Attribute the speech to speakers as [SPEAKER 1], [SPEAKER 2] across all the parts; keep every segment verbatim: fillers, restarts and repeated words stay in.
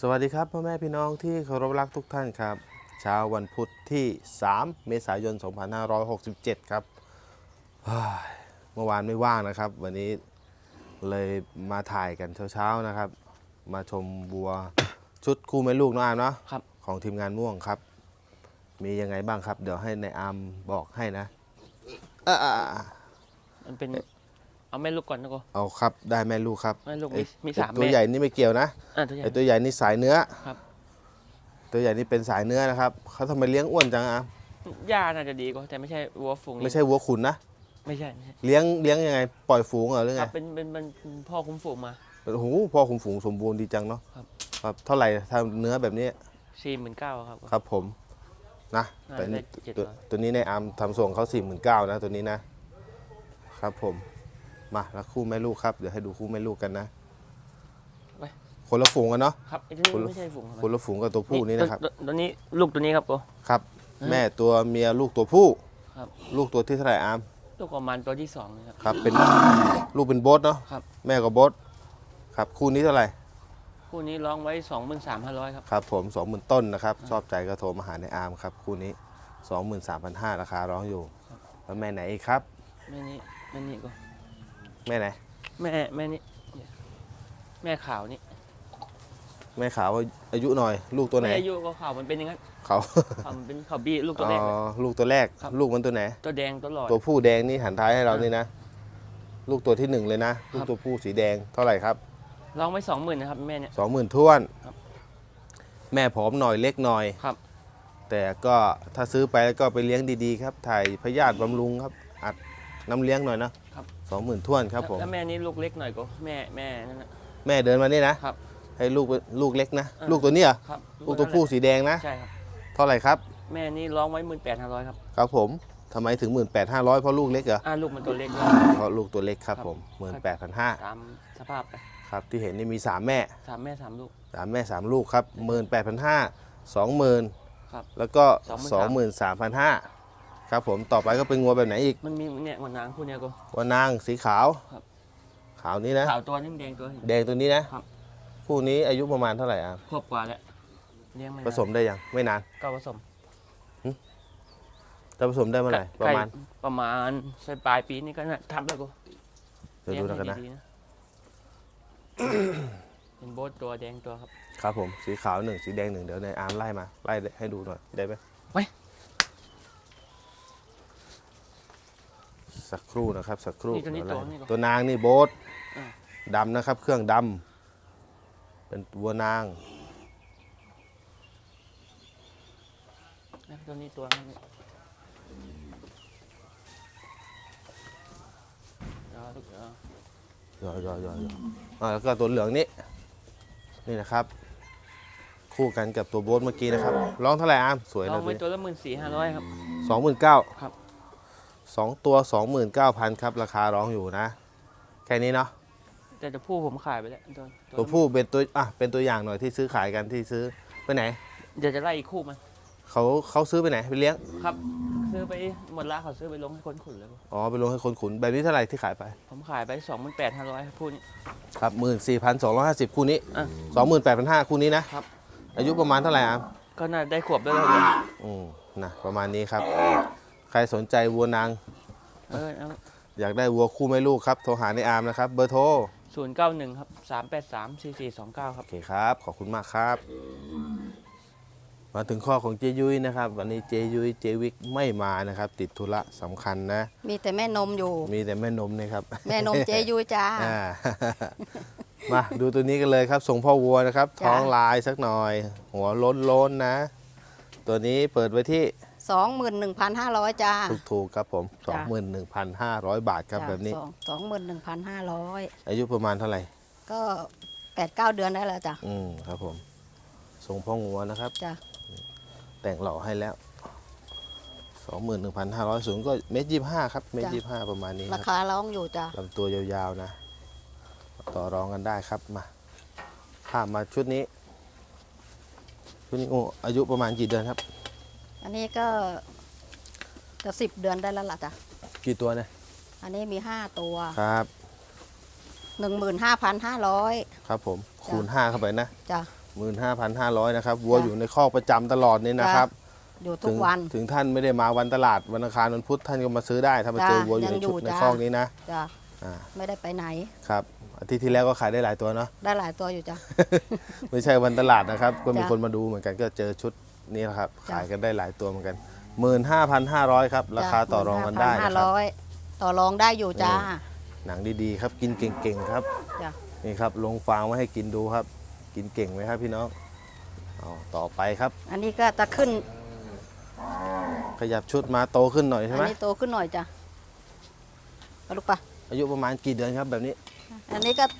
[SPEAKER 1] สวัสดีครับพ่อแม่พี่น้องที่เคารพรักทุกท่านครับเช้าวันพุธที่สามเมษายนสองพันห้าร้อยหกสิบเจ็ดครับเมื่อวานไม่ว่างนะครับวันนี้เลยมาถ่ายกันเช้าๆนะครับมาชมวัวชุดคู่แม่ลูกน้องอาร์มเนาะของทีมงานม่วงครับมียังไงบ้างครับเดี๋ยวให้ในอาร์มบอกให้นะอ่า
[SPEAKER 2] มันเป็นเอาแม่ลูกก่อนนะกู
[SPEAKER 1] เอาครับได้แม่ลูกครับ
[SPEAKER 2] แม่ลูกมีมีสามแม่
[SPEAKER 1] ตัวใหญ่นี่ไม่เกี่ยวนะไอตัวใหญ่นี่สายเนื้อ
[SPEAKER 2] ครับ
[SPEAKER 1] ตัวใหญ่นี่เป็นสายเนื้อนะครับเขาทำไมเลี้ยงอ้วนจังอ่ะ
[SPEAKER 2] หญ้าน่าจะดีกว่าแต่ไม่ใช่วัวฝูง
[SPEAKER 1] ไม่ใช่วัวขุนนะ
[SPEAKER 2] ไม่ใช่
[SPEAKER 1] เลี้ยงเลี้ยงยังไงปล่อยฝูงเหรอหรือไง
[SPEAKER 2] เป็นเป็นเป็นพ่อคุ้มฝูงมา
[SPEAKER 1] โอ้โหพ่อคุมฝูงสมบูรณ์ดีจังเนาะ
[SPEAKER 2] ครับ
[SPEAKER 1] ครับเท่าไหร่ทำเนื้อแบบนี้
[SPEAKER 2] สี่หมื่นเก้าครับ
[SPEAKER 1] ครับผมนะแต่ตัวตัวนี้ในอาร์มทำส่งเขาสี่หมื่นเก้านะตัวนี้นะครับผมมาแล้วคู่แม่ลูกครับเดี๋ยวให้ดูคู่แม่ลูกกันนะคนละฝูงกันเนาะ
[SPEAKER 2] ครับไม่ใช่ฝูง
[SPEAKER 1] คนละฝูงกับตัวผู้นี่นะครับ
[SPEAKER 2] ตัวนี้ลูกตัวนี้ครับกู
[SPEAKER 1] ครับแม่ตัวเมียลูกตัวผู้
[SPEAKER 2] ครับ
[SPEAKER 1] ลูกตัวที่เท่าไหร่อาร์ม
[SPEAKER 2] ลูกประมาณตัวที่สองนะครับ
[SPEAKER 1] ครับเป็นลูกเป็นโบ๊ทเนาะ
[SPEAKER 2] ครับ
[SPEAKER 1] แม่กับโบ๊ทครับคู่นี้เท่าไหร่
[SPEAKER 2] คู่นี้ร้องไว้สองหมื่นสามพันห้าร้อยครับ
[SPEAKER 1] ครับผมสองหมื่นต้นนะครับชอบใจก็โทรมาหาในอาร์มครับคู่นี้สองหมื่นสามพันห้าราคาร้องอยู่แล้วแม่ไหนอีกครับ
[SPEAKER 2] แม่นี้แม่นี้กู
[SPEAKER 1] แม่ไหน
[SPEAKER 2] แม่แม่นี้แม่ขาวนี่
[SPEAKER 1] แม่ขาวอายุหน่อยลูกตัวไหน
[SPEAKER 2] อายุก็ขาวมันเป็นยังไง
[SPEAKER 1] เขา
[SPEAKER 2] มันเป็นขาวบี้ลูกตัวแรก
[SPEAKER 1] ลูกตัวแรกลูกมันตัวไหน
[SPEAKER 2] ตัวแดงตัวหลอด
[SPEAKER 1] ตัวผู้แดงนี่หันท้ายให้เรานี่นะลูกตัวที่หนึ่งเลยนะลูกตัวผู้สีแดงเท่าไหร่ครับ
[SPEAKER 2] ลองไว้สองหมื่นนะครับแม่เนี่ย
[SPEAKER 1] สองหมื่นท้วนแม่ผอมหน่อยเล็กหน่อย
[SPEAKER 2] ครับ
[SPEAKER 1] แต่ก็ถ้าซื้อไปก็ไปเลี้ยงดีๆครับถ่ายพยาธิบำรุงครับอัดน้ำเลี้ยงหน่อยนะครับสองหมื่นท้วนครับผม
[SPEAKER 2] แล้วแม่นี้ลูกเล็กหน่อยก็แม่แม่นั่นนะ
[SPEAKER 1] แม่เดินมานี่นะครับให้ลูกลูกเล็กนะลูกตัวนี้เหรอ
[SPEAKER 2] ครับ
[SPEAKER 1] ลูกตัวผู้สีแดงนะ
[SPEAKER 2] ใช่ครับ
[SPEAKER 1] เท่าไหร่ครับ
[SPEAKER 2] แม่นี้ร้องไว้หมื่นแปดห้าร้อยครับ
[SPEAKER 1] ครับผมทำไมถึงหมื่นแปดห้าร้อยเพราะลูกเล็กเหรอ
[SPEAKER 2] อ่าลูกมันตัวเล็ก
[SPEAKER 1] เพราะลูกตัวเล็กครับผมหมื่นแปดพันห้า
[SPEAKER 2] ตามสภาพไป
[SPEAKER 1] ครับที่เห็นนี่มีสามแม่
[SPEAKER 2] สามแม่สามลูก
[SPEAKER 1] สามแม่สามลูกครับหมื่นแปดพันห้าสองหมื่นแล้วก็สองหมื่นสามพันห้าครับผมต่อไปก็เป็นงัวแบบไหนอีก
[SPEAKER 2] มันมีเนี่ยวันนางคู่เนี้ยก็
[SPEAKER 1] วันนางสีขาวขาวนี้นะ
[SPEAKER 2] ขาวตัวนึงแดงตัว
[SPEAKER 1] แดงตัวนี้นะคู่นี้อายุประมาณเท่าไหร่อ่ะ
[SPEAKER 2] ขวบกว่าแล้วเลี้ยงไม่
[SPEAKER 1] ผสมได้ยังไม่นาน
[SPEAKER 2] ก็ผสม
[SPEAKER 1] จะผสมได้เมื่อไหร่ประมาณ
[SPEAKER 2] ประมาณปลายปีนี้ก็น่าทำแล้วกู
[SPEAKER 1] เดี๋ยวดูกันนะ
[SPEAKER 2] เป็นโบ๊ทตัวแดงตัวครับ
[SPEAKER 1] ครับผมสีขาวหนึ่งสีแดงหนึ่งเดี๋ยวในอาร์มไล่มาไล่ให้ดูหน่อยได้ไหม
[SPEAKER 2] ไว้
[SPEAKER 1] สักครู่นะครับสักครู่
[SPEAKER 2] ตัว
[SPEAKER 1] ตัวนางนี่โบ๊ทดำนะครับเครื่องดำเป็นวัวนาง
[SPEAKER 2] ตัวนี้ตัวนี้
[SPEAKER 1] ย่อย่อย่อย่อแล้วก็ตัวเหลืองนี้นี่นะครับคู่กันกับตัวโบ๊ทเมื่อกี้นะครับร้องเท่าไหร่อาร์มสวยนะ
[SPEAKER 2] ตัวนี้ตัวละหมื่นสี่ห้าร้อยครับ
[SPEAKER 1] สองหมื่นเก้า
[SPEAKER 2] ครับ
[SPEAKER 1] สองตัวสองหมื่นเก้าพันครับราคาร้องอยู่นะแค่นี้เนาะ
[SPEAKER 2] แต่ตัวผู้ผมขายไปแล้ว
[SPEAKER 1] ตัวผู้เป็นตัวอ่ะเป็นตัวอย่างหน่อยที่ซื้อขายกันที่ซื้อไปไหน
[SPEAKER 2] เดี๋ยวจะไล่อีกคู่มัน
[SPEAKER 1] เขาเขาซื้อไปไหนไปเลี้ยง
[SPEAKER 2] ครับซื้อไปหมดละเขาซื้อไปลงให้คนขุนเลย
[SPEAKER 1] อ๋อไปลงให้คนขุนแบบนี้เท่าไหร่ที่ขายไป
[SPEAKER 2] ผมขายไปสองหมื่นแปดห้าร้อยคู่นี้
[SPEAKER 1] ครับหมื่นสี่พันสองร้อยห้าสิบคู่นี้สองหมื่นแปดพันห้าคู่นี้นะครับอายุประมาณเท่าไหร่อ่ะ
[SPEAKER 2] ก็น่าได้ขวบได้แล้วเลย
[SPEAKER 1] อืมนะประมาณนี้ครับใครสนใจวัวนาง
[SPEAKER 2] เออ
[SPEAKER 1] อยากได้วัวคู่แม่ลูกครับโทรหาในอาร์มนะครับเบอร์โทร
[SPEAKER 2] ศูนย์เก้าหนึ่งครับสามแปดสามสี่สี่สองเก้าครับ
[SPEAKER 1] โอเคครับขอบคุณมากครับมาถึงข้อของเจยุ้ยนะครับวันนี้เจยุ้ยเจวิกไม่มานะครับติดธุระสำคัญนะ
[SPEAKER 3] มีแต่แม่นมอยู่
[SPEAKER 1] มีแต่แม่นมนี่ครับ
[SPEAKER 3] แม่นมเจยุ้ยจ้า
[SPEAKER 1] มาดูตัวนี้กันเลยครับส่งพ่อวัวนะครับท้องลายสักหน่อยหัวล้นล้นนะตัวนี้เปิดไว้ที่
[SPEAKER 3] สองหมื่นหนึ่งพันห้าร้อยจ้า
[SPEAKER 1] ถูกๆครับผมสองหมื่นหนึ่งพันห้าร้อยบาทครับแบบนี้
[SPEAKER 3] สองหมื่นหนึ่งพันห้าร้อย
[SPEAKER 1] อายุประมาณเท่าไหร่
[SPEAKER 3] ก็แปดเก้าเดือนได้แล้วจ้ะ
[SPEAKER 1] อืมครับผมส่งพ่อวัวนะครับ
[SPEAKER 3] จ้ะ
[SPEAKER 1] แต่งหล่อให้แล้วสองหมื่นหนึ่งพันห้าร้อยสูงก็เมตรยี่ห้าครับเมตรยี่ห้าประมาณนี้
[SPEAKER 3] ราคาร้องอยู่จ้ะ
[SPEAKER 1] ลำตัวยาวๆนะต่อรองกันได้ครับมาข้ามมาชุดนี้ชุดนี้โอ้อายุประมาณกี่เดือนครับ
[SPEAKER 3] อันนี้ก็จะสิบเดือนได้แล้วล่ะจ้ะ
[SPEAKER 1] กี่ตัวเนี่ย
[SPEAKER 3] อันนี้มีห้าตัว
[SPEAKER 1] ครับ
[SPEAKER 3] หนึ่งหมื่นห้าพันห้าร้อย
[SPEAKER 1] ครับผมคูณห้าเข้าไปนะ
[SPEAKER 3] จ้ะ
[SPEAKER 1] หมื่นห้าพันห้าร้อยนะครับวัวอยู่ในคอกประจำตลอดนี่นะครับ
[SPEAKER 3] อยู่ทุ
[SPEAKER 1] ถึ
[SPEAKER 3] ก
[SPEAKER 1] ง
[SPEAKER 3] วัน
[SPEAKER 1] ถึงท่านไม่ได้มาวันตลาดวันอังคารวันพุธท่านก็มาซื้อได้ถ้ามา
[SPEAKER 3] จ้ะ
[SPEAKER 1] เจอวัวอยู่ใน
[SPEAKER 3] ยังอยู่
[SPEAKER 1] ชุดใน
[SPEAKER 3] จ้ะ
[SPEAKER 1] คอกนี้นะ
[SPEAKER 3] จ้ะ
[SPEAKER 1] อ่า
[SPEAKER 3] ไม่ได้ไปไหน
[SPEAKER 1] ครับอาทิตย์ที่แล้วก็ขายได้หลายตัวเนาะ
[SPEAKER 3] ได้หลายตัวอยู่จ้ะ
[SPEAKER 1] ไม่ใช่วันตลาดนะครับ ก็มี
[SPEAKER 3] จ้ะ
[SPEAKER 1] คนมาดูเหมือนกันก็เจอชุดนี้นะครับ
[SPEAKER 3] จ้ะ
[SPEAKER 1] ขายกันได้หลายตัวเหมือนกันหมื่นห้าพันห้าร้อยครับราคาต่อรองกันได้
[SPEAKER 3] ห้า
[SPEAKER 1] นะครับ
[SPEAKER 3] ร้อยต่อรองได้อยู่จ้า
[SPEAKER 1] หนังดีๆครับกินเก่งๆครับ
[SPEAKER 3] จ้ะ
[SPEAKER 1] นี่ครับลงฟางไว้ให้กินดูครับ กินเก่งไหมครับพี่น้องเอาต่อไปครับ
[SPEAKER 3] อันนี้ก็จะขึ้น
[SPEAKER 1] ขยับชุดมาโตขึ้นหน่อย
[SPEAKER 3] อั
[SPEAKER 1] ใช่
[SPEAKER 3] น
[SPEAKER 1] ไหม
[SPEAKER 3] นี้โตขึ้นหน่อยจ้ะเอาลูกปะ
[SPEAKER 1] อายุประมาณกี่เดือนครับแบบนี้
[SPEAKER 3] อันนี้ก็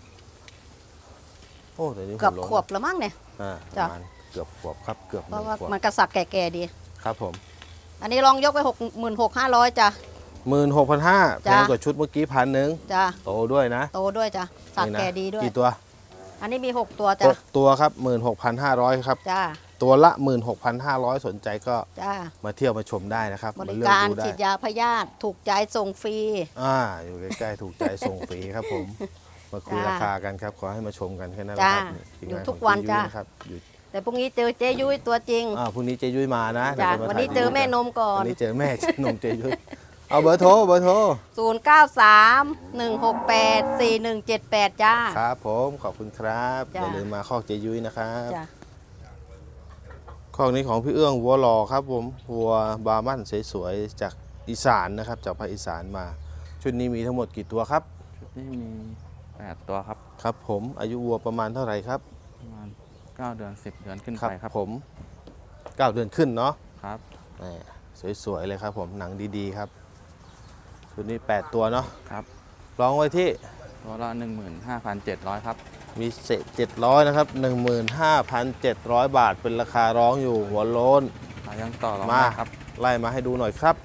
[SPEAKER 1] โอ้เดี๋ยวนี้
[SPEAKER 3] เกือบ
[SPEAKER 1] หัล้น
[SPEAKER 3] ขวบแล้วมั้งเนี่ย
[SPEAKER 1] อ่าป
[SPEAKER 3] จ้ะ
[SPEAKER 1] ระมาณเกือบขวบครับเกือบห
[SPEAKER 3] เพ
[SPEAKER 1] นึ่
[SPEAKER 3] ราะ
[SPEAKER 1] ง
[SPEAKER 3] ว่า
[SPEAKER 1] ขวบ
[SPEAKER 3] มันกระสับแก่ๆดี
[SPEAKER 1] ครับผม
[SPEAKER 3] อันนี้ลองยกไปหกหมื่นหกห้าร้อยจ้ะ
[SPEAKER 1] หมื่นหกพันห้าแพ
[SPEAKER 3] จ้ะ
[SPEAKER 1] งกว่าชุดเมื่อกี้พันหนึ่ง
[SPEAKER 3] จ้ะ
[SPEAKER 1] โตด้วยนะ
[SPEAKER 3] โตด้วยจ้ะสับ
[SPEAKER 1] นี่นะ
[SPEAKER 3] แก่ดีด้วย
[SPEAKER 1] กี่ตัว
[SPEAKER 3] อันนี้มีหกตัว
[SPEAKER 1] ห
[SPEAKER 3] จ้ะ
[SPEAKER 1] กตัวครับหมื่นหกพันห้าร้อยครับ
[SPEAKER 3] จ้า
[SPEAKER 1] ตัวละหมื่นหกพันห้าร้อยสนใจก็
[SPEAKER 3] จ้า
[SPEAKER 1] มาเที่ยวมาชมได้นะครับ
[SPEAKER 3] บ
[SPEAKER 1] มา
[SPEAKER 3] ริ
[SPEAKER 1] เลือก
[SPEAKER 3] การ
[SPEAKER 1] ดูได้
[SPEAKER 3] ฉีดยาพยาธิถูกใจส่งฟรี
[SPEAKER 1] อ่าอยู่ใกล้ๆถูกใจส่งฟรีครับผม มาคุย
[SPEAKER 3] จ้า
[SPEAKER 1] ราคากันครับ ขอให้มาชมกันแค่นั้นแหละ
[SPEAKER 3] จ้า
[SPEAKER 1] ครับทีม
[SPEAKER 3] อยู่
[SPEAKER 1] งา
[SPEAKER 3] ทุก
[SPEAKER 1] ของ
[SPEAKER 3] วัน
[SPEAKER 1] เยุ้ย
[SPEAKER 3] จ้า
[SPEAKER 1] นะครับอยู่
[SPEAKER 3] แต่พรุ่งนี้เจอเจยุ้ยตัวจริง
[SPEAKER 1] อ่าพรุ่งนี้เจยุ้ยมานะ
[SPEAKER 3] จ้า
[SPEAKER 1] เดี๋ยจะมา
[SPEAKER 3] วันนี้
[SPEAKER 1] ถ่าย
[SPEAKER 3] เจอ
[SPEAKER 1] รูป
[SPEAKER 3] แม่นมก่อ
[SPEAKER 1] วัน นนี้เจอแม่ นมเจยุ้ยเอาเบอร์โทรเบอร์โทร
[SPEAKER 3] ศูนย์ เก้า สาม หนึ่ง หก แปด สี่ หนึ่ง เจ็ด แปด จ้า
[SPEAKER 1] ครับผมขอบคุณครับอ
[SPEAKER 3] จ้า
[SPEAKER 1] ย่าลืมมาคอกเจยุ้ยนะครับ
[SPEAKER 3] จ้า
[SPEAKER 1] คอกนี้ของพี่เอื้องวัวหล่อครับผมวัวบาร์มันสวยๆจากอีสานนะครับจากภาคอีสานมา ชุดนี้มีทั้งหมดกี่ตัวครับ
[SPEAKER 4] นี่มีแปดตัวครับ
[SPEAKER 1] ครับผมอายุวัวประมาณเท่าไหร่ครับ
[SPEAKER 4] ประมาณเก้าเดือนสิบเดือนขึ้น
[SPEAKER 1] ครั
[SPEAKER 4] ไปครับ
[SPEAKER 1] ผมเก้าเดือนขึ้นเนาะ
[SPEAKER 4] ครับ
[SPEAKER 1] แหม่สวยๆเลยครับผมหนังดีๆครับชุดนี้แปดตัวเนาะ
[SPEAKER 4] ครับ
[SPEAKER 1] ลองไว้ที่
[SPEAKER 4] ตัวละหนึ่งหมื่นห้าพันเจ็ดร้อยครับ
[SPEAKER 1] มีเศษเจ็ดร้อยนะครับหนึ่งหมื่นห้าพันเจ็ดร้อยบาทเป็นราคาร้องอยู่หัวโล้น
[SPEAKER 4] ขายยังต่อรอง
[SPEAKER 1] มา
[SPEAKER 4] ได้ครับ
[SPEAKER 1] ไล่มาให้ดูหน่อยครับ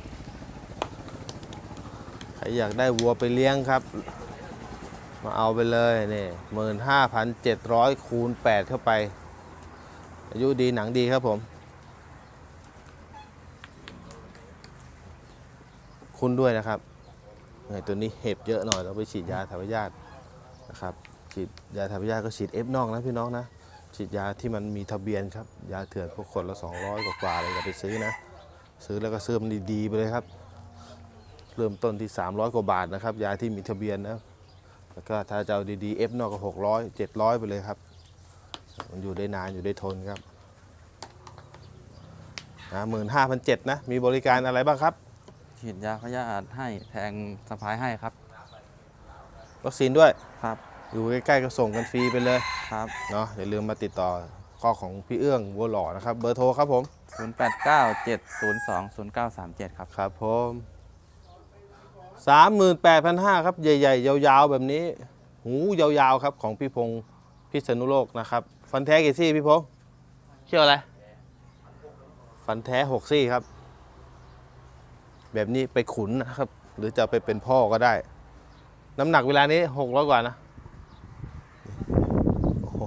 [SPEAKER 1] ใครอยากได้วัวไปเลี้ยงครับ มาเอาไปเลยนี่หมื่นห้าพันเจ็ดร้อยคูณแปดเข้าไป อายุดีหนังดีครับผม คุณด้วยนะครับเนี่ยตัวนี้เห็บเยอะหน่อยเราไปฉีดยาถ่ายพยาธินะครับฉีดยาถ่ายพยาธิก็ฉีดเอฟนอกนะพี่น้องนะฉีดยาที่มันมีทะเบียนครับยาเถื่อนพวกคนละสองร้อยกว่าๆเลยอย่าไปซื้อนะซื้อแล้วก็ซื้อมันดีๆไปเลยครับเริ่มต้นที่สามร้อยกว่าบาทนะครับยาที่มีทะเบียนนะแล้วก็ถ้าจะเอาดีๆเอฟนอกก็หกร้อยเจ็ดร้อยไปเลยครับมันอยู่ได้นานอยู่ได้ทนครับนะหมื่นห้าพันเจ็ดนะมีบริการอะไรบ้างครับ
[SPEAKER 4] ฉีดยาพยาธิให้แทงสะพายให้ครับ
[SPEAKER 1] วัคซีนด้วย
[SPEAKER 4] ครับ
[SPEAKER 1] อยู่ใกล้ๆก็ส่งกันฟรีไปเลย
[SPEAKER 4] ครับ
[SPEAKER 1] เนาะอย่าลืมมาติดต่อข้อของพี่เอื้องวัวหล่อนะครับเบอร์โทรครับผม
[SPEAKER 4] ศูนย์แปดเก้า เจ็ดศูนย์สอง ศูนย์เก้าสามเจ็ดครับ
[SPEAKER 1] ครับผมสามหมื่นแปดพันห้าครับใหญ่ๆยาวๆแบบนี้ หูยาวๆครับของพี่พงศ์พิษณุโลกนะครับฟันแท้กี่ซี่พี่พงศ์เชื่ออะไรฟันแท้หกซี่ครับ แบบนี้ไปขุนนะครับ หรือจะไปเป็นพ่อก็ได้ น้ำหนักเวลานี้หกร้อยกว่านะโอ้โห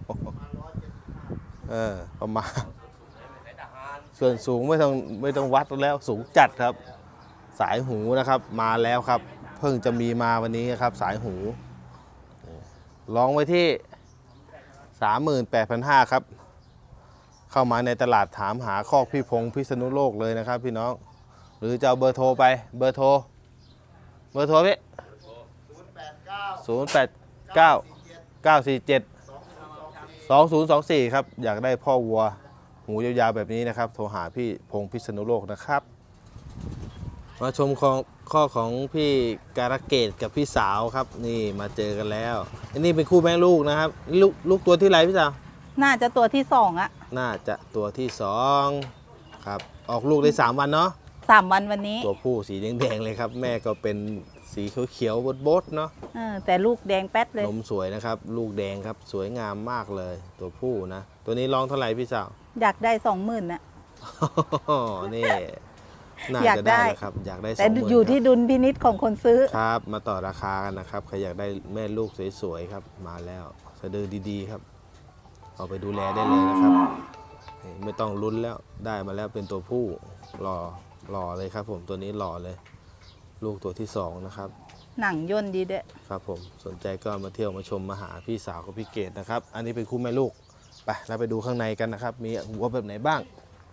[SPEAKER 1] เออประมาณส่วนสูงไม่ต้องไม่ต้องวัดแล้วสูงจัดครับ สายหูนะครับมาแล้วครับ เพิ่งจะมีมาวันนี้ครับ สายหูลองไว้ที่ สามหมื่นแปดพันห้าร้อย ครับ เข้ามาในตลาดถามหาคอกพี่พงศ์พิษณุโลกเลยนะครับพี่น้อง หรือจะเอาเบอร์โทรไปเบอร์โทรเบอร์โทรพี่ศูนย์แปดเก้า เก้าสี่เจ็ด สองศูนย์สองสี่ครับอยากได้พ่อวัวหูยาวๆแบบนี้นะครับโทรหาพี่พงศ์พิษณุโลกนะครับมาชมของข้อของพี่การะเกดกับพี่สาวครับนี่มาเจอกันแล้วอันนี้เป็นคู่แม่ลูกนะครับลูกลูกตัวที่ไรพี่สาว
[SPEAKER 5] น่าจะตัวที่สองอะ
[SPEAKER 1] น่าจะตัวที่สองครับออกลูกได้สามวันเนาะ
[SPEAKER 5] สามวันวันนี้
[SPEAKER 1] ตัวผู้สีแดงๆเลยครับ แม่ก็เป็นสีเขียวๆบดๆเนาะ
[SPEAKER 5] เออแต่ลูกแดงแป๊ดเลย
[SPEAKER 1] นมสวยนะครับ ลูกแดงครับสวยงามมากเลย ตัวผู้นะ ตัวนี้ร้องเท่าไหร่พี่สาว
[SPEAKER 5] อยากได้สองหมื่นนะ
[SPEAKER 1] นี่น่า
[SPEAKER 5] อยาก
[SPEAKER 1] จะ
[SPEAKER 5] ได้
[SPEAKER 1] ได้นะครับอยากได้
[SPEAKER 5] แต่
[SPEAKER 1] สองหมื่น
[SPEAKER 5] อยู่ที่ดุลพินิษของคนซื้อ
[SPEAKER 1] ครับ มาต่อราคากันนะครับใครอยากได้แม่ลูกสวยๆครับมาแล้วสะดือดีๆครับเอาไปดูแลได้เลยนะครับนี่ไม่ต้องลุ้นแล้วได้มาแล้วเป็นตัวผู้หล่อหล่อเลยครับ ผมตัวนี้หล่อเลย ลูกตัวที่สองนะครับ
[SPEAKER 5] หนังย่นดีเด้อ
[SPEAKER 1] ครับผมสนใจก็มาเที่ยวมาชมมาหาพี่สาวกับพี่เกดนะครับ อันนี้เป็นคู่แม่ลูกไปเราไปดูข้างในกันนะครับ มีวัวแบบไหนบ้าง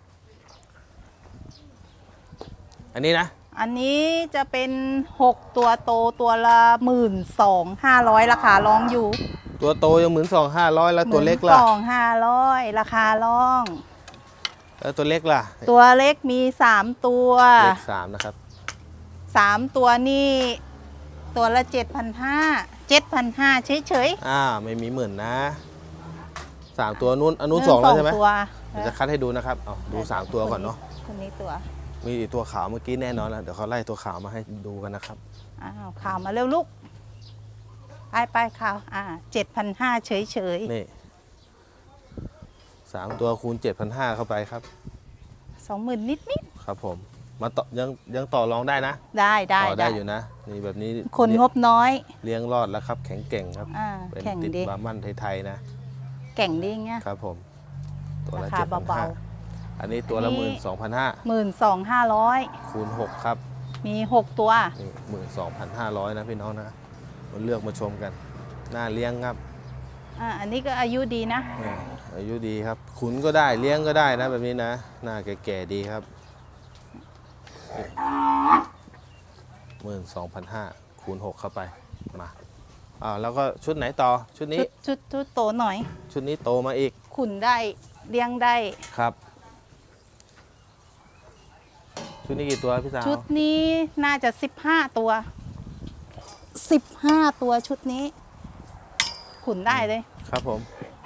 [SPEAKER 1] อันนี้นะ
[SPEAKER 5] อันนี้จะเป็นหกตัวโตตัวละหมื่นสองห้าร้อยราคาร้องอยู่
[SPEAKER 1] ตัวโตยังหมื่นสองห้าร้อยแล้วตัวเล็กล่ะ
[SPEAKER 5] สองห้าร้อยราคาร้อง
[SPEAKER 1] แล้วตัวเล็กล่ะ
[SPEAKER 5] ตัวเล็กมีสามตัว
[SPEAKER 1] เล็กสามนะครับ
[SPEAKER 5] สามตัวนี่ตัวละเจ็ดพันห้าเจ็ดพันห้าเฉย
[SPEAKER 1] อ่าไม่มีหมื่นนะสามตัวนู้นอัน
[SPEAKER 5] ๆ
[SPEAKER 1] นู้นสองแล้วใช่ไหม
[SPEAKER 5] ตัว
[SPEAKER 1] เดี๋ยวจะคัดให้ดูนะครับเอาดูสามตัวก่อนเนาะ
[SPEAKER 5] คนนี้ตัว
[SPEAKER 1] มีอีกตัวขาวเมื่อกี้แน่นอนแล้วเดี๋ยวเขาไล่ตัวขาวมาให้ดูกันนะครับ
[SPEAKER 5] อ้าวข่าวมาเร็วลูกไปไปข่าวอ่าเจ็ดพันห้าเฉยเฉย
[SPEAKER 1] นี่สามตัวคูณเจ็ดพันห้าเข้าไปครับ
[SPEAKER 5] สองหมื่นนิดนิด
[SPEAKER 1] ครับผมมาต่อยังยังต่อรองได้นะ
[SPEAKER 5] ๆได้ได้
[SPEAKER 1] ต่อได้อยู่นะนี่แบบนี้
[SPEAKER 5] คนงบน้อย
[SPEAKER 1] เลี้ยงรอดแล้วครับ แข็งเก่งครับ
[SPEAKER 5] อ่า
[SPEAKER 1] เป็น
[SPEAKER 5] แข่ง
[SPEAKER 1] ติด
[SPEAKER 5] ดี
[SPEAKER 1] บาร์มันไทยๆนะ
[SPEAKER 5] แก่งดีเงี้ย
[SPEAKER 1] ครับผมตัวละ
[SPEAKER 5] ราคา
[SPEAKER 1] เจ็ดพัน
[SPEAKER 5] เบา
[SPEAKER 1] ห้าอันนี้ตัวละ
[SPEAKER 5] อัน
[SPEAKER 1] ห
[SPEAKER 5] นี้
[SPEAKER 1] มื่นสองพันห้า
[SPEAKER 5] หมื่นสองห้าร้อย
[SPEAKER 1] คูณหกครับ
[SPEAKER 5] มีหกตัว
[SPEAKER 1] นี่หมื่นสองพันห้าร้อยนะพี่น้องนะมาเลือกมาชมกันน่าเลี้ยงครับ
[SPEAKER 5] อ่าอันนี้ก็อายุดีนะ
[SPEAKER 1] นี่อายุดีครับ ขุนก็ได้เลี้ยงก็ได้นะแบบนี้นะหน้าแก่ๆดีครับหมื่นสองพันห้าคูณหกเข้าไปมาอ่าแล้วก็ชุดไหนต่อชุดนี้
[SPEAKER 5] ชุดชุดชุดโตหน่อย
[SPEAKER 1] ชุดนี้โตมาอีก
[SPEAKER 5] ขุนได้เลี้ยงได้
[SPEAKER 1] ครับ ชุดนี้กี่ตัวพี่สาว
[SPEAKER 5] ชุดนี้น่าจะสิบห้าตัวสิบห้าตัวชุดนี้ ขุนได้เลย
[SPEAKER 1] ครับผม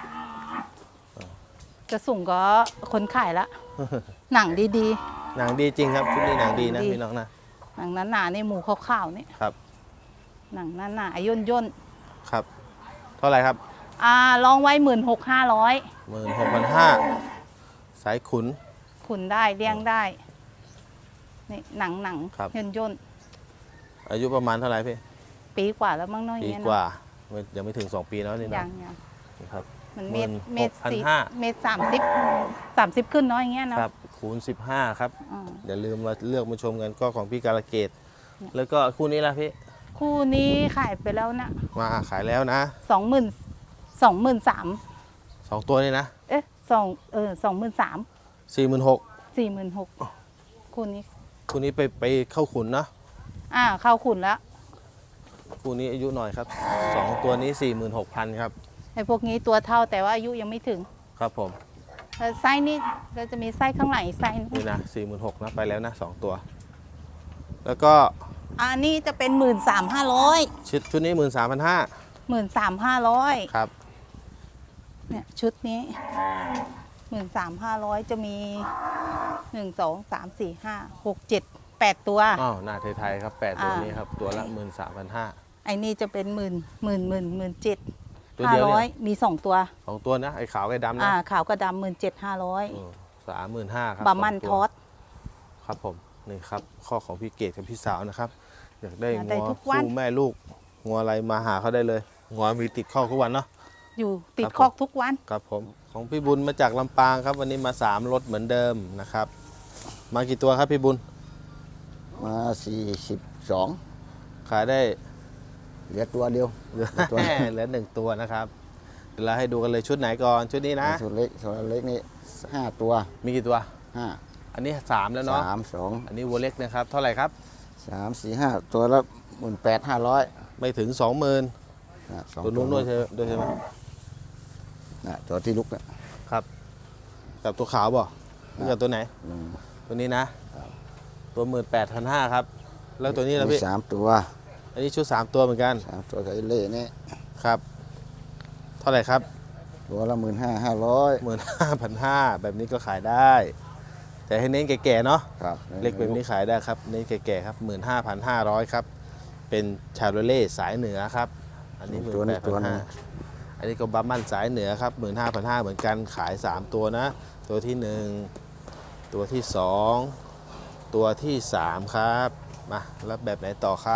[SPEAKER 5] จะส่งก็คนขายละ หนังดี
[SPEAKER 1] หนังดีจริงครับชุดนี้หนังดีนะ
[SPEAKER 5] ดี
[SPEAKER 1] พี่น้องนะ
[SPEAKER 5] ๆ หนังหนาๆในหมูขาวๆนี่
[SPEAKER 1] ครับ
[SPEAKER 5] หนังหนาๆย่นย่น
[SPEAKER 1] ครับ เท่าไหร่ครับ
[SPEAKER 5] ๆอ่าลองไว้หมื่นหกห้าร้อย
[SPEAKER 1] หมื่นหกพันห้าสายขุน
[SPEAKER 5] ขุนได้เลี้ยงได้นี่หนังหนัง
[SPEAKER 1] ครับ
[SPEAKER 5] ย่นย่น
[SPEAKER 1] อายุประมาณเท่าไหร่พี่
[SPEAKER 5] ๆปีกว่าแล้วมั้งเน้อย
[SPEAKER 1] ปี
[SPEAKER 5] เงี้ย
[SPEAKER 1] ก
[SPEAKER 5] นะ
[SPEAKER 1] ว่าไม่ยังไม่ถึงสองปีแล้วนี่
[SPEAKER 5] ยั
[SPEAKER 1] นะ
[SPEAKER 5] งยัง
[SPEAKER 1] ครับ
[SPEAKER 5] มันเมตร
[SPEAKER 1] หมื่น
[SPEAKER 5] เมตร
[SPEAKER 1] หกพัน
[SPEAKER 5] สี่
[SPEAKER 1] ห้า
[SPEAKER 5] เมตรสามสิบสามสิบขึ้นเน้อยเงี้ยเนาะ
[SPEAKER 1] ครับคูณสิบห้าครับ
[SPEAKER 5] อ่า
[SPEAKER 1] อย่าลืมมาเลือกมาชมกันก็ของพี่การะเกดแล้วก็คู่นี้ล่ะพี่
[SPEAKER 5] คู่นี้ขายไปแล้วนะ
[SPEAKER 1] มาขายแล้วนะ
[SPEAKER 5] สองหมื่นสองหมื่นสาม
[SPEAKER 1] สองตัวนี่นะ
[SPEAKER 5] เอ๊ะสองเออสองหมื่นสาม
[SPEAKER 1] สี่หมื่นหก
[SPEAKER 5] สี่หมื่นหกคู่นี้
[SPEAKER 1] คู่นี้ไปไปเข้าขุนนะ
[SPEAKER 5] อ่าเข้าขุนแล้ว
[SPEAKER 1] คู่นี้อายุหน่อยครับสองตัวนี้สี่หมื่นหกพันครับ
[SPEAKER 5] ไอ้พวกนี้ตัวเท่าแต่ว่าอายุยังไม่ถึง
[SPEAKER 1] ครับผม
[SPEAKER 5] แล้วไส้นี่เราจะมีไส้ข้างหลังอีกไส้นึง
[SPEAKER 1] นี่นะสี่หมื่นหกนะไปแล้วนะสองตัว แล้วก็
[SPEAKER 5] อันนี้จะเป็นหมื่นสามห้าร้อย
[SPEAKER 1] ชุดชุดนี้หมื่นสามพันห้า
[SPEAKER 5] หมื่นสามห้าร้อย
[SPEAKER 1] ครับ
[SPEAKER 5] เนี่ยชุดนี้หมื่นสามห้าร้อยจะมีหนึ่งสองสามสี่ห้าหกเจ็ดแปดตัว
[SPEAKER 1] อ้าวหน้าไทยๆครับแปดตัว
[SPEAKER 5] อ่านี้
[SPEAKER 1] นี้ครับตัวละหมื่นสามพันห้า
[SPEAKER 5] ไอ้นี่จะเป็นหมื่นหมื่นหมื่นหมื่นเจ็ด
[SPEAKER 1] ตัว
[SPEAKER 5] ห้า
[SPEAKER 1] เดียว
[SPEAKER 5] ร้อย
[SPEAKER 1] เนี่ย
[SPEAKER 5] มีสองตัว
[SPEAKER 1] สองตัวนะไอ้ขาวไอ้ดำนะ
[SPEAKER 5] อ่าขาวกับดำหมื่นเจ็ดห้าร้อย
[SPEAKER 1] สามหมื่นห้าครับ
[SPEAKER 5] บะมัน
[SPEAKER 1] สง
[SPEAKER 5] ท
[SPEAKER 1] ตัว
[SPEAKER 5] อด
[SPEAKER 1] ครับผมนี่ครับข้อของพี่เกดกับพี่สาวนะครับ อยากได้
[SPEAKER 5] อยากได้
[SPEAKER 1] งัว
[SPEAKER 5] ทุกวัน
[SPEAKER 1] คู่แม่ลูกงัวอะไรมาหาเขาได้เลยงัวมีติดข้อทุกวันเนาะ
[SPEAKER 5] อยู่ติด
[SPEAKER 1] ครับผม
[SPEAKER 5] คอกทุกวัน
[SPEAKER 1] ครับผมของพี่บุญมาจากลำปางครับ วันนี้มาสามรถเหมือนเดิมนะครับ มากี่ตัวครับพี่บุญ
[SPEAKER 6] มาสี่สิบสอง
[SPEAKER 1] ขายได้
[SPEAKER 6] เหลือตัวเดียว
[SPEAKER 1] เหลือ
[SPEAKER 6] ตัว
[SPEAKER 1] เหลือหนึ่งตัวนะครับเดี๋ยวเราให้ดูกันเลยชุดไหนก่อนชุดนี้นะ
[SPEAKER 6] ส่วนเล็กส่วนเล็กนี่ห้าตัว
[SPEAKER 1] มีกี่ตัว
[SPEAKER 6] ห้า
[SPEAKER 1] อันนี้สามแล้วเนาะ
[SPEAKER 6] สามสอง
[SPEAKER 1] อันนี้วัวเล็กนะครับ เท่าไหร่ครับ
[SPEAKER 6] สามสี่ห้าตัวละหมื่นแปดห้าร้อย
[SPEAKER 1] ไม่ถึงสองหมื่น
[SPEAKER 6] สอง
[SPEAKER 1] ตัวนู้นด้วยใช่ด้วยใช่ไหม
[SPEAKER 6] นะตัวที่ลุกเนี่ย
[SPEAKER 1] ครับกับตัวขาวบ่หรือกับตัวไหน
[SPEAKER 6] อืม
[SPEAKER 1] ตัวนี้นะ ตัวหมื่นแปดพันห้าครับ แล้วตัวนี้นะ
[SPEAKER 6] มี
[SPEAKER 1] พี่
[SPEAKER 6] สามตัว
[SPEAKER 1] อันนี้ชุดสามตัวเหมือนกัน
[SPEAKER 6] สามตัวกับไอ้เล่นี่
[SPEAKER 1] ครับ เท่าไหร่ครับ
[SPEAKER 6] ตัวละหมื่นห้าห้าร้อย
[SPEAKER 1] หมื่นห้าพันห้าแบบนี้ก็ขายได้ แต่ให้เน้นแก่ๆเนาะ
[SPEAKER 6] ครับ
[SPEAKER 1] เล็กแบบนี้ขายได้ครับ เน้นแก่ๆครับหมื่นห้าพันห้าร้อยครับ เป็นชาโรเล่สายเหนือครับ อันนี้หมื่น
[SPEAKER 6] ตัว
[SPEAKER 1] แป
[SPEAKER 6] นี้
[SPEAKER 1] ด
[SPEAKER 6] ตั
[SPEAKER 1] พั
[SPEAKER 6] วน นึ
[SPEAKER 1] ห้าง อันนี้ก็บัมมันสายเหนือครับหมื่นห้าพันห้าเหมือนกันขายสามตัวนะ ตัวที่หนึ่งตัวที่สองตัวที่สามครับมาแล้วแบบไหนต่อครับ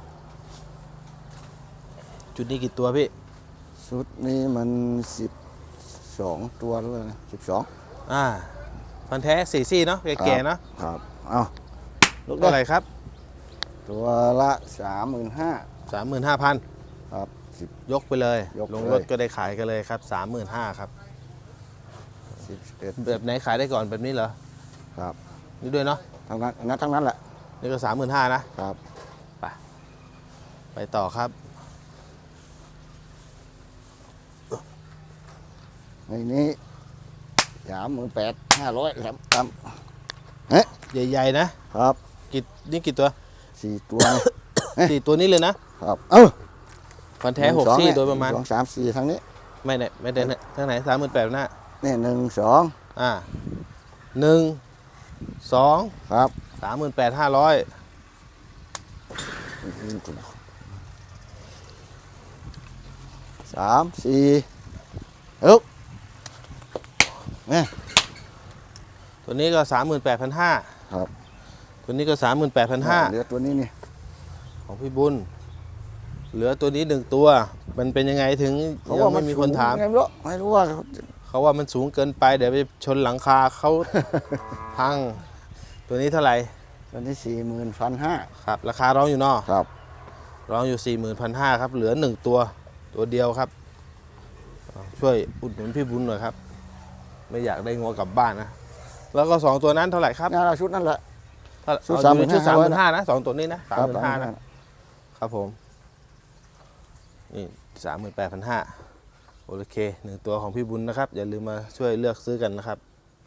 [SPEAKER 1] จุดนี้กี่ตัวพี่
[SPEAKER 6] ชุดนี้มันสิบสองตัวเลยสิบสอง
[SPEAKER 1] อ่าพันแท้สี่ซี่เนาะแก่ๆเนาะ
[SPEAKER 6] ครับเอาลุกได้
[SPEAKER 1] เท่าไหร่ครับ
[SPEAKER 6] ตัวละสามหมื่นห้า
[SPEAKER 1] สามหมื่นห้าพัน
[SPEAKER 6] ครับสิบ
[SPEAKER 1] ยกไปเลย
[SPEAKER 6] ยก
[SPEAKER 1] ลง
[SPEAKER 6] เลย
[SPEAKER 1] รถก็ได้ขายกันเลยครับสามหมื่นห้าครับ
[SPEAKER 6] สิบเอ็ด
[SPEAKER 1] แบบไหนขายได้ก่อนแบบนี้เหรอ
[SPEAKER 6] ครับ
[SPEAKER 1] นี่ด้วยเนาะ
[SPEAKER 6] ทั้งนั้นงั้นทั้งนั้นแหละ
[SPEAKER 1] นี่ก็สามหมื่นห้านะครับ ไปไปต่อครับ
[SPEAKER 6] ในนี้สามหมื่นแปดห้าร้อยครับตาม
[SPEAKER 1] ใหญ่ๆนะครับ กี่นี่กี่ตัว
[SPEAKER 6] สี่ตัวนี่
[SPEAKER 1] สี่ตัวนี้เลยนะครับ
[SPEAKER 6] เอ้า
[SPEAKER 1] ฟันแท้หก
[SPEAKER 6] นึ่งสอง
[SPEAKER 1] ซี่
[SPEAKER 6] เนี่ย
[SPEAKER 1] โดยประมาณ
[SPEAKER 6] หนึ่งสองสามสี่ทั้งนี้
[SPEAKER 1] ไม่เนี่ยไม่เดินทางไหนสามหมื่นแปดหน้า
[SPEAKER 6] นี่หนึ่งสอง
[SPEAKER 1] อ่าหนึ่งสอง
[SPEAKER 6] ครับ
[SPEAKER 1] สามหมื่นแปดห้าร้อย
[SPEAKER 6] สามสี่เอ้าเนี่ย
[SPEAKER 1] ตัวนี้ก็สามหมื่นแปดพันห้า
[SPEAKER 6] ครับ
[SPEAKER 1] ตัวนี้ก็สามหมื่นแปดพันห้า
[SPEAKER 6] เหลือตัวนี้นี่
[SPEAKER 1] ของพี่บุญ เหลือตัวนี้หนึ่งตัว มันเป็นยังไงถึง
[SPEAKER 6] เขา
[SPEAKER 1] ยั
[SPEAKER 6] ว่าง มั
[SPEAKER 1] ไม่
[SPEAKER 6] น
[SPEAKER 1] มีคนถาม
[SPEAKER 6] สูงไงไม่รู้ไม่รู้ว่าเขา
[SPEAKER 1] เขาว่ามันสูงเกินไปเดี๋ยวไปชนหลังคาเขา พัง ตัวนี้เท่าไหร่
[SPEAKER 6] ตัวนี้สี่หมื่นพันห้า
[SPEAKER 1] ครับ ราคาร้องอยู่เนอก
[SPEAKER 6] ครับ
[SPEAKER 1] ร้องอยู่สี่หมื่นพันห้าครับ เหลือหนึ่งตัวตัวเดียวครับอ่าช่วยอุดหนุนพี่บุญหน่อยครับ ไม่อยากได้งัวกลับบ้านนะ แล้วก็สองตัวนั้นเท่าไหร่ครับ
[SPEAKER 6] งานชุดนั่นแหละ
[SPEAKER 1] ถ้า
[SPEAKER 6] ชุด
[SPEAKER 1] เอาอยู่ในชุด
[SPEAKER 6] สา
[SPEAKER 1] สาม ม
[SPEAKER 6] ห
[SPEAKER 1] ห
[SPEAKER 6] มื่
[SPEAKER 1] มื่
[SPEAKER 6] น
[SPEAKER 1] น
[SPEAKER 6] ห้า
[SPEAKER 1] ห้านะสองตัวนี้นะสามหมื่นห้า
[SPEAKER 6] ค
[SPEAKER 1] นะ
[SPEAKER 6] รับ
[SPEAKER 1] ครับผม นี่สามหมื่นแปดพันห้าโอเคหนึ่งตัวของพี่บุญนะครับ อย่าลืมมาช่วยเลือกซื้อกันนะครับ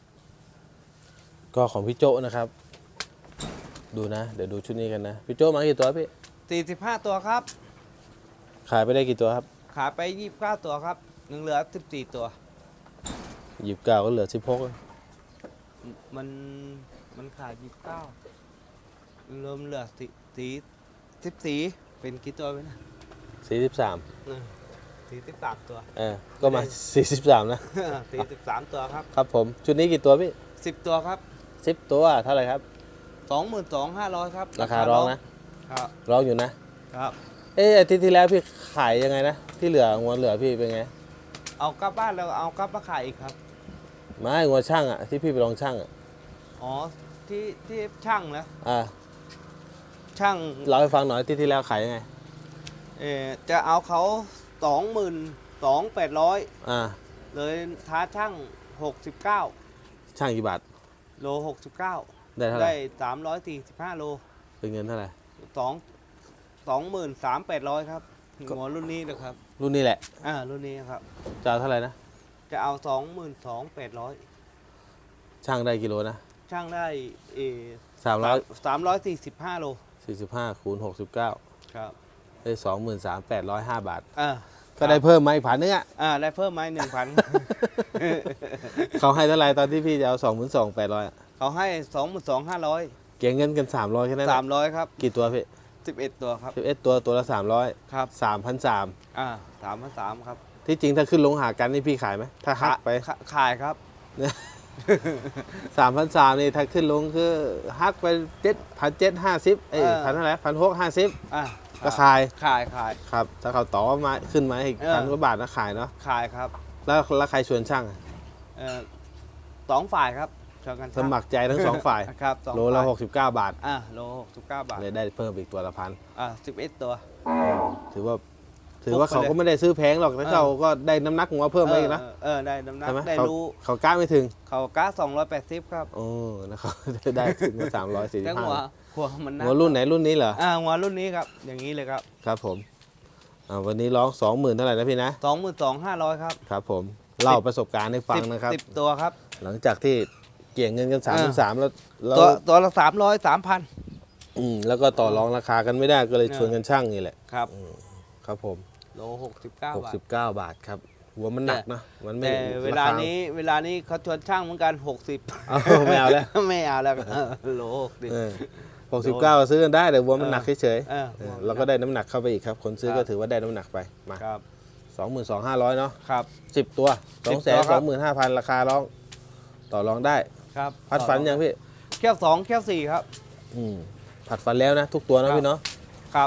[SPEAKER 1] ก็ของพี่โจ้นะครับ ดูนะ เดี๋ยวดูชุดนี้กันนะ พี่โจ้มากี่ตัวพี่
[SPEAKER 2] สี่สิบห้าตัวครับ
[SPEAKER 1] ขายไปได้กี่ตัวครับ
[SPEAKER 2] ขายไปยี่สิบเก้าตัวครับหนึ่งเหลือสิบสี่ตัว
[SPEAKER 1] หยิบเก้าก็เหลือสิบหก
[SPEAKER 2] มันมันขายยี่สิบเก้าเริ่มเหลือสีสีสิบสี่เป็นกี่ตัวไปนะ
[SPEAKER 1] สี่สิบสาม
[SPEAKER 2] สี่สิบสามตัว
[SPEAKER 1] เออก็มาสี่สิบสามนะ
[SPEAKER 2] สี่สิบสามตัวครับ
[SPEAKER 1] ครับผมชุดนี้กี่ตัวพี่
[SPEAKER 2] สิบตัวครับ
[SPEAKER 1] สิบตัวเท่าไหร่ครับ
[SPEAKER 2] สองหมื่นสองห้าร้อยครับ
[SPEAKER 1] ราคาร้องนะ
[SPEAKER 2] ครับ
[SPEAKER 1] ร้องอยู่นะ
[SPEAKER 2] ครับ
[SPEAKER 1] เอ๊ะอาทิตย์ที่แล้วพี่ขายยังไงนะที่เหลืองัวเหลือพี่เป็นไง
[SPEAKER 2] เอากลับบ้านแล้วเอากลับมาขายอีกครับ
[SPEAKER 1] ไม่งัวช่างอ่ะที่พี่ไปลองช่างอ่ะ
[SPEAKER 2] อ๋อที่ที่ช่างนะ
[SPEAKER 1] อ่า
[SPEAKER 2] ช่าง
[SPEAKER 1] เล่าให้ฟังหน่อยอาที่ที่แล้วขายยังไง
[SPEAKER 2] เออจะเอาเขาสองหมื่นสองแปดร้อย
[SPEAKER 1] อ่า
[SPEAKER 2] เลยท้าช่างหกสิบเก้า
[SPEAKER 1] ช่างกี่บาท
[SPEAKER 2] โลหกสิบเก้า
[SPEAKER 1] ได้เท่าไหร่
[SPEAKER 2] ได้สามร้อยสี่สิบห้าโล
[SPEAKER 1] เป็นเงินเท่าไหร่
[SPEAKER 2] สองสองหมื่นสามแปดร้อยครับหัวรุ่นนี้นะครับ
[SPEAKER 1] รุ่นนี้แหละ
[SPEAKER 2] อ่ารุ่นนี้ครับ
[SPEAKER 1] จะเอาเท่าไหร่นะ
[SPEAKER 2] จะเอาสองหมื่นสองแปดร้อย
[SPEAKER 1] ช่างได้กิโลนะ
[SPEAKER 2] ช่างได้เออ
[SPEAKER 1] สามร้อย
[SPEAKER 2] สามร้อยสี่สิบห้าโล
[SPEAKER 1] สี่สิบห้าคูณหกสิบเก้า
[SPEAKER 2] ครับ
[SPEAKER 1] ได้สองหมื่นสามแปดร้อยห้าบาท
[SPEAKER 2] อ่า
[SPEAKER 1] ก็ได้เพิ่มมาอีกพันนึงอ่ะ
[SPEAKER 2] อ่าได้เพิ่มไหมหนึ่งพัน
[SPEAKER 1] เขาให้เท่าไหร่ตอนที่พี่จะเอาสองหมื่นสองแปดร้อย
[SPEAKER 2] เขาให้สองหมื่นสองห้าร้อย
[SPEAKER 1] เกี่ยงเงินกันสามร้อยแค่นั้น
[SPEAKER 2] สามร้อยครับ
[SPEAKER 1] กี่ตัวพี่
[SPEAKER 2] สิบเอ็ดตัวครับ
[SPEAKER 1] สิบเอ็ดตัวตัวละสามร้อย
[SPEAKER 2] ครับ
[SPEAKER 1] สามพันสาม
[SPEAKER 2] อ่าสามพันสามครับ
[SPEAKER 1] ที่จริงถ้าขึ้นลงหากันนี่พี่ขายไหมถ้าหักไป
[SPEAKER 2] ขาขายครับ
[SPEAKER 1] สามพันสามนี่ถ้าขึ้นลงคือหักไปเจ็ดพันเจ็ดห้าสิบเอ้ย
[SPEAKER 2] เออ
[SPEAKER 1] พันเท่าไหร่พันหกห้าสิบ
[SPEAKER 2] อ่า
[SPEAKER 1] ก็ขาย
[SPEAKER 2] ขายขาย
[SPEAKER 1] ครับ ถ้าเขาต่อมาขึ้นมาอีก
[SPEAKER 2] เออ
[SPEAKER 1] พันกว่าบาทนะขายเนาะ
[SPEAKER 2] ขายครับ
[SPEAKER 1] แล้วแล้วใครชวนช่างอะ
[SPEAKER 2] เอ่อสองฝ่ายครับชวนกัน
[SPEAKER 1] สมัครใจทั้งสองฝ่าย
[SPEAKER 2] ครับสอง
[SPEAKER 1] โลละ
[SPEAKER 2] ฝ่าย
[SPEAKER 1] หกสิบเก้าบาท
[SPEAKER 2] อ่าโลหกสิบเก้าบาท
[SPEAKER 1] เลยได้เพิ่มอีกตัวละพัน
[SPEAKER 2] อ่าสิบเอ็ดตัว
[SPEAKER 1] ถือว่า ถือว่า
[SPEAKER 2] ปุ๊บไป
[SPEAKER 1] เขา
[SPEAKER 2] เลย
[SPEAKER 1] ก็ไม่ได้ซื้อแพงหรอกแต่
[SPEAKER 2] เออ
[SPEAKER 1] เขาก็ได้น้ำหนักของเราเพิ่มไปอีกนะ
[SPEAKER 2] เออเออได้น้ำหนัก
[SPEAKER 1] ใช่ไหม
[SPEAKER 2] ได้
[SPEAKER 1] เขา
[SPEAKER 2] รู้
[SPEAKER 1] เขากล้าไม่ถึง
[SPEAKER 2] เขาก้าสองร้อยแปดสิบครับ
[SPEAKER 1] โอ้นะครับ ได้ถึงสามร้อยสี่สิ
[SPEAKER 2] แล้
[SPEAKER 1] บ
[SPEAKER 2] วหัว
[SPEAKER 1] ห้า
[SPEAKER 2] หัวมันนัก
[SPEAKER 1] หัวรุ่นไหนรุ่นนี้เหรอ
[SPEAKER 2] อ่าหัวรุ่นนี้ครับ อย่างนี้เลยครับ
[SPEAKER 1] ครับผมอ่าวันนี้ร้องสองหมื่นเท่าไหร่นะพี่นะ
[SPEAKER 2] สองหมื่นสองห้าร้อยครับ
[SPEAKER 1] ครับผมเล่าประสบการณ์ให้ฟัง
[SPEAKER 2] สิบ
[SPEAKER 1] นะครับ
[SPEAKER 2] สิบตัวครับ
[SPEAKER 1] หลังจากที่เกี่ยงเงินกันสาม
[SPEAKER 2] อ่า
[SPEAKER 1] สามแล้วแล้ว
[SPEAKER 2] ตัวตัวละสามร้อยสามพัน
[SPEAKER 1] อืมแล้วก็ต่อรองราคากันไม่ได้ก็เลย
[SPEAKER 2] เออ
[SPEAKER 1] ชวนกันช่างนี่แหละ
[SPEAKER 2] ครับ
[SPEAKER 1] ครับผม
[SPEAKER 2] โลหกสิบเก้า
[SPEAKER 1] หก
[SPEAKER 2] บาท
[SPEAKER 1] สิบเก้าบาทครับหัวมันหนักนะมันไม่
[SPEAKER 2] แต่เวลา
[SPEAKER 1] ราค
[SPEAKER 2] นี้เวลานี้เขาชวนช่างเหมือนกันหกสิบ
[SPEAKER 1] เอาไม่เอาแล้ว
[SPEAKER 2] ไม่เอาแล้วโลหกสิบ
[SPEAKER 1] หกสิบเก้าซื้อกันได้แต่วัวมันหนักเฉย
[SPEAKER 2] เออ
[SPEAKER 1] ๆเออเราก็ได้น้ำหนักเข้าไปอีกครับ คนซื้อ
[SPEAKER 2] ครั
[SPEAKER 1] ก็
[SPEAKER 2] บ
[SPEAKER 1] ถือว่าได้น้ำหนักไปมา
[SPEAKER 2] ครับ
[SPEAKER 1] สองหมื่นสองห้าร้อยเนาะ
[SPEAKER 2] ครับ
[SPEAKER 1] สิบตัวส
[SPEAKER 2] สิ
[SPEAKER 1] อง
[SPEAKER 2] บ
[SPEAKER 1] แส
[SPEAKER 2] ตั
[SPEAKER 1] น
[SPEAKER 2] วค
[SPEAKER 1] ส
[SPEAKER 2] รั
[SPEAKER 1] อบ งหมื่นห้าพันราคาร้อง ต่อรองได้
[SPEAKER 2] ครับ
[SPEAKER 1] พัดฝันยังพี่
[SPEAKER 2] แก้วสองแก้วสี่ครับ
[SPEAKER 1] อืมผัดฟันแล้วนะ ทุกตัว
[SPEAKER 2] ครั
[SPEAKER 1] นะ
[SPEAKER 2] บ
[SPEAKER 1] พี่เนาะ
[SPEAKER 2] ครับ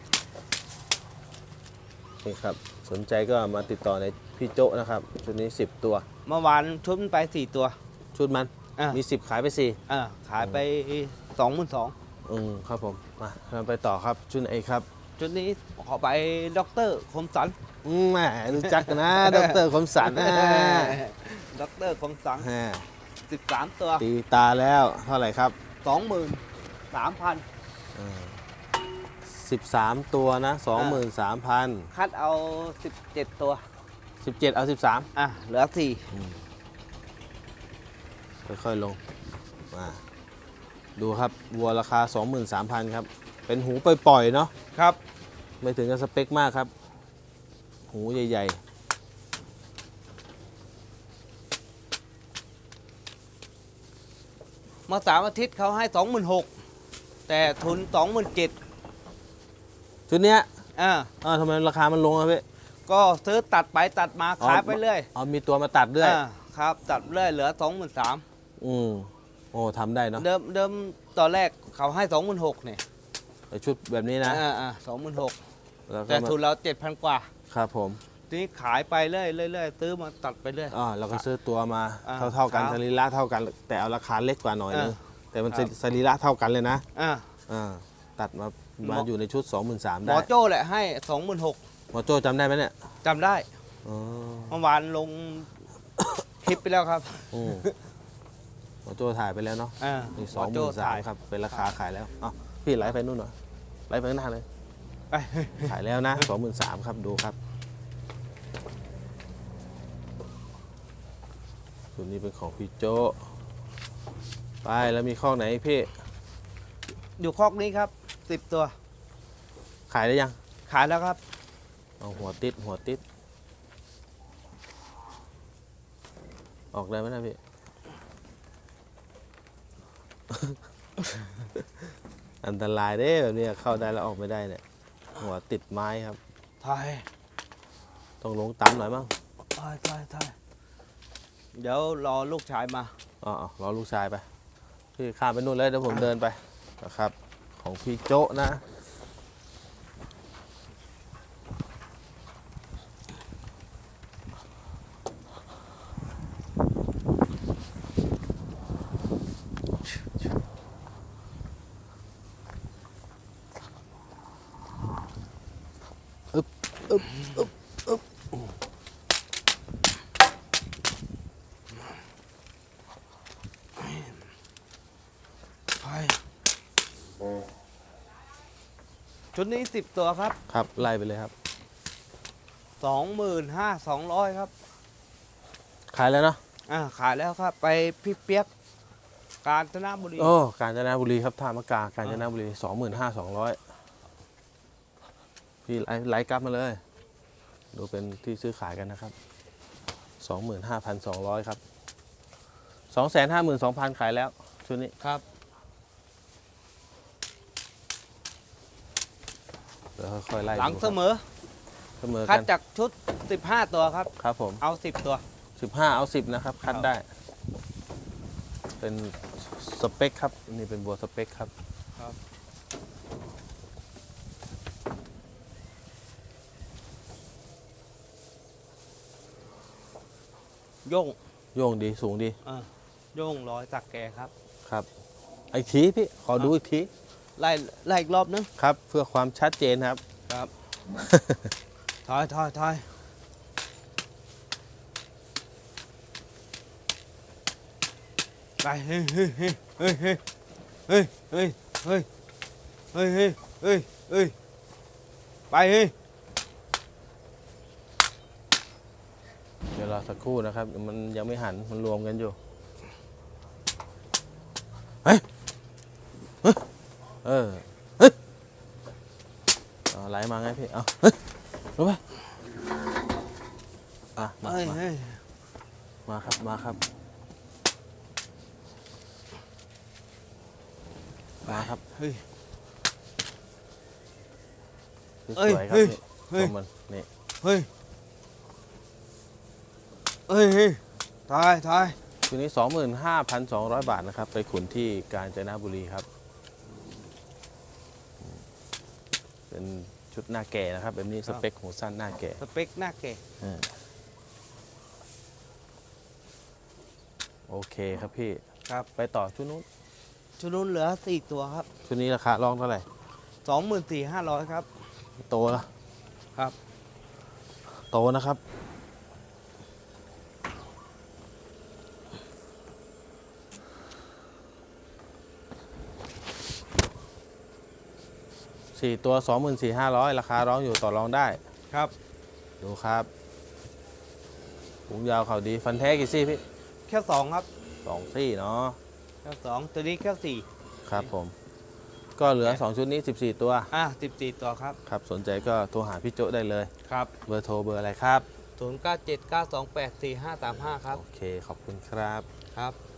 [SPEAKER 1] นี่ครับสนใจก็มาติดต่อในพี่โจ้นะครับชุดนี้สิบตัว
[SPEAKER 2] เมื่อวานชุดมันไปสี่ตัว
[SPEAKER 1] ชุดมัน
[SPEAKER 2] อ่า
[SPEAKER 1] มีสิบขายไปสี่
[SPEAKER 2] อ่าขายไปสองหมื่นสอง
[SPEAKER 1] ออืมครับผมมาเราไปต่อครับชุดไหนครับ
[SPEAKER 2] ชุดนี้ขอไปด็อกเตอร์คมสัน
[SPEAKER 1] อืมแหมรู้จักกันนะ ดรคมสันนะ
[SPEAKER 2] ด็อกเตอร์คมสัน
[SPEAKER 1] แหม
[SPEAKER 2] สิบสามตัว
[SPEAKER 1] ตีตาแล้วเท่าไหร่ครับ
[SPEAKER 2] สองหมื่นสามพัน
[SPEAKER 1] สิบสามตัวนะสองหมื่นสามพัน
[SPEAKER 2] คัดเอาสิบเจ็ดตัว
[SPEAKER 1] สิบเจ็ดเอาสิบสาม
[SPEAKER 2] อ่ะ เหลือสี่
[SPEAKER 1] ค่อยๆลงมาดูครับวัวราคา สองหมื่นสามพัน ครับ เป็นหูปล่อยๆเนาะ
[SPEAKER 2] ครับ
[SPEAKER 1] ไม่ถึงกับสเปคมากครับ หูใหญ่
[SPEAKER 2] เมื่อสามอาทิตย์เขาให้สองหมื่นหกแต่ทุนสองหมื่นเจ็ด
[SPEAKER 1] ๆชุดเนี้ย
[SPEAKER 2] อ่า
[SPEAKER 1] เออทำไมราคามันลงอะพี่
[SPEAKER 2] ก็ซื้อตัดไปตัดมาขายไปเรื่อย
[SPEAKER 1] อ๋อมีตัวมาตัดด้วย
[SPEAKER 2] อ่าครับ ตัดเรื่อยเหลือสองหมื่นสาม
[SPEAKER 1] อืมโอ้ทำได้เนาะ
[SPEAKER 2] เดิมเดิมตอนแรกเขาให้สองหมื่นหกเนี่ย
[SPEAKER 1] ไอ้ชุดแบบนี้นะ
[SPEAKER 2] อ่าอ่าสองหมื่นหก
[SPEAKER 1] แล้วก็
[SPEAKER 2] แต่
[SPEAKER 1] มา
[SPEAKER 2] ทุนเราเจ็ดพันกว่า
[SPEAKER 1] ครับผม
[SPEAKER 2] ทีนี้ขายไปเรื่อยเรื่อยซื้อมาตัดไปเรื่อย
[SPEAKER 1] อ่าเราก็ซื้อตัวมา
[SPEAKER 2] อ่า
[SPEAKER 1] เท่าๆกัน
[SPEAKER 2] ครับ
[SPEAKER 1] สรีระเท่ากัน แต่เอาราคาเล็กกว่าหน่อยนึง
[SPEAKER 2] อ่า
[SPEAKER 1] แต่มัน
[SPEAKER 2] ครับ
[SPEAKER 1] สรีระเท่ากันเลยนะ
[SPEAKER 2] อ่า
[SPEAKER 1] อ่าตัดมา
[SPEAKER 2] หม
[SPEAKER 1] มา
[SPEAKER 2] อ
[SPEAKER 1] อยู่ในชุด สองหมื่นสามพัน
[SPEAKER 2] หม
[SPEAKER 1] ได้
[SPEAKER 2] อโจ้แหละให้สองหมื่นหก
[SPEAKER 1] หมอโจ้จำได้ไหมเนี่ย
[SPEAKER 2] จำได้
[SPEAKER 1] อ๋อ
[SPEAKER 2] เมื่อวานลง คลิปไปแล้วครับ
[SPEAKER 1] อืมหมอโจ้ถ่ายไปแล้วเนาะ
[SPEAKER 2] อ่า
[SPEAKER 1] นี่
[SPEAKER 2] ห
[SPEAKER 1] ส
[SPEAKER 2] ม
[SPEAKER 1] อ
[SPEAKER 2] อง
[SPEAKER 1] ห
[SPEAKER 2] โจ้
[SPEAKER 1] มื่นสา
[SPEAKER 2] ถ่าม ย
[SPEAKER 1] ครับเป็นราคาขายแล้วอ๋อพี่ไลฟ์ไปนู่นเหรอไลฟ์ไปข้างหน้าเลย
[SPEAKER 2] ไป
[SPEAKER 1] ขายแล้วนะ สองหมื่นสามครับดูครับตัวนี้เป็นของพี่โจ้ไปแล้วมีข้อไหนพี่
[SPEAKER 2] อยู่คอกนี้ครับสิบตัว
[SPEAKER 1] ขายได้ยัง
[SPEAKER 2] ขายแล้วครับ
[SPEAKER 1] เอาหัวติดหัวติด ออกได้ไหมนะพี่ อันตรายเด้แบบนี้เข้าได้แล้วออกไม่ได้เนี่ย หัวติดไม้ครับ
[SPEAKER 2] ไทย
[SPEAKER 1] ต้องลงต่ำหน่อยมั้ง
[SPEAKER 2] ไทยไทยไทยเดี๋ยวรอลูกชายมา
[SPEAKER 1] อ๋ออ๋อรอลูกชายไป พี่ข้ามไปนู่นเลยเดี๋ยวผมเดินไปนะครับ ของพี่โจ๊ะนะ อึ๊บอึ๊บอึ๊บอึ๊บ
[SPEAKER 2] ไทยชุดนี้สิบตัวครับ
[SPEAKER 1] ครับ ไล่ไปเลยครับ
[SPEAKER 2] สองหมื่นห้าสองร้อยครับ
[SPEAKER 1] ขายแล้วเนาะ
[SPEAKER 2] อ่าขายแล้วครับ ไปพี่เปียก กาญจนบุรี
[SPEAKER 1] โอ้ กาญจนบุรีครับท่ามะกา กาญจนบุรีสองหมื่นห้าสองร้อยพี่ไลฟ์ไลฟ์กลับมาเลย ดูเป็นที่ซื้อขายกันนะครับสองหมื่นห้าพันสองร้อยครับสองแสนห้าหมื่นสองพันขายแล้ว ชุดนี้
[SPEAKER 2] ครับ
[SPEAKER 1] เดี๋ยวค่อยๆไล่
[SPEAKER 2] หลัง
[SPEAKER 1] ดู
[SPEAKER 2] เส
[SPEAKER 1] ครับ
[SPEAKER 2] มอ
[SPEAKER 1] เสมอ
[SPEAKER 2] คัด
[SPEAKER 1] กัน
[SPEAKER 2] จากชุดสิบห้าตัวครับ
[SPEAKER 1] ครับผม
[SPEAKER 2] เอาสิบตัว
[SPEAKER 1] สิบห้าเอาสิบนะครับ คัด
[SPEAKER 2] ครับ
[SPEAKER 1] ได้ เป็นสเปคครับ นี่เป็นบัวสเปคครับ
[SPEAKER 2] ครับ โย่ง
[SPEAKER 1] โยงดีสูงดี
[SPEAKER 2] อ่าโย่งร้อยสักแกครับ
[SPEAKER 1] ครับอีกทีพี่ ขอดูอีกที
[SPEAKER 2] ไล่ไล่อีกรอบนึง
[SPEAKER 1] ครับ เพื่อความชัดเจนครับ
[SPEAKER 2] ครับ ถอยถอยถอยไปเฮ้ยเฮ้ยเฮ้ยเฮ้ยเฮ้ยเฮ้ยเฮ้ยเฮ้ยเฮ้ยเฮ้ยเฮ้ยไปเฮ้ย
[SPEAKER 1] เดี๋ยวรอสักครู่นะครับ มันยังไม่หัน มันรวมกันอยู่ เฮ้ย เฮ้ย เออ เฮ้ยเอาไหลมาไงพี่ เอาเฮ้ยลงไปอ่ะมา
[SPEAKER 2] เฮ้ย
[SPEAKER 1] มา
[SPEAKER 2] เฮ้ย
[SPEAKER 1] มาครับ มาครับ มาครับ
[SPEAKER 2] เฮ้ย
[SPEAKER 1] สวยๆครับ
[SPEAKER 2] เฮ้ย
[SPEAKER 1] นี่
[SPEAKER 2] เฮ้ย
[SPEAKER 1] ชมมันนี่
[SPEAKER 2] เฮ้ยเฮ้ยเฮ้ยถอยถอย
[SPEAKER 1] ชุดนี้ สองหมื่นห้าพันสองร้อย บาทนะครับ ไปขุนที่กาญจนบุรีครับ เป็นชุดหน้าแก่นะครับ แบบนี้สเปคหูสั้นหน้าแก่
[SPEAKER 2] สเปคหน้าแก่
[SPEAKER 1] อ่าโอเคครับพี่
[SPEAKER 2] ครับ
[SPEAKER 1] ไปต่อชุดนู้น
[SPEAKER 2] ชุดนู้นเหลือสี่ตัวครับ
[SPEAKER 1] ชุดนี้ราคาร้องเท่าไหร่
[SPEAKER 2] สองหมื่นสี่ห้าร้อยครับ
[SPEAKER 1] โตนะครับ โตนะครับสี่ตัวสองหมื่นสี่ห้าร้อยราคาร้องอยู่ต่อรองได้
[SPEAKER 2] ครับ
[SPEAKER 1] ดูครับหูยาวเขาดีฟันแท้กี่ซี่พี่
[SPEAKER 2] แค่สองครับ
[SPEAKER 1] สองซี่เนาะ
[SPEAKER 2] แค่สองตัวนี้แค่สี่
[SPEAKER 1] ครับผม ก็เหลือ สอง ชุดนี้ สิบสี่ ตัว
[SPEAKER 2] อ่ะสิบสี่ตัวครับ
[SPEAKER 1] ครับ สนใจก็โทรหาพี่โจ้ได้เลย
[SPEAKER 2] ครับ
[SPEAKER 1] เบอร์โทรเบอร์อะไรครับ
[SPEAKER 2] ศูนย์เก้าเจ็ดเก้าสองแปดสี่ห้าสามห้าครับ
[SPEAKER 1] โอเค ขอบคุณครับ
[SPEAKER 2] ครับ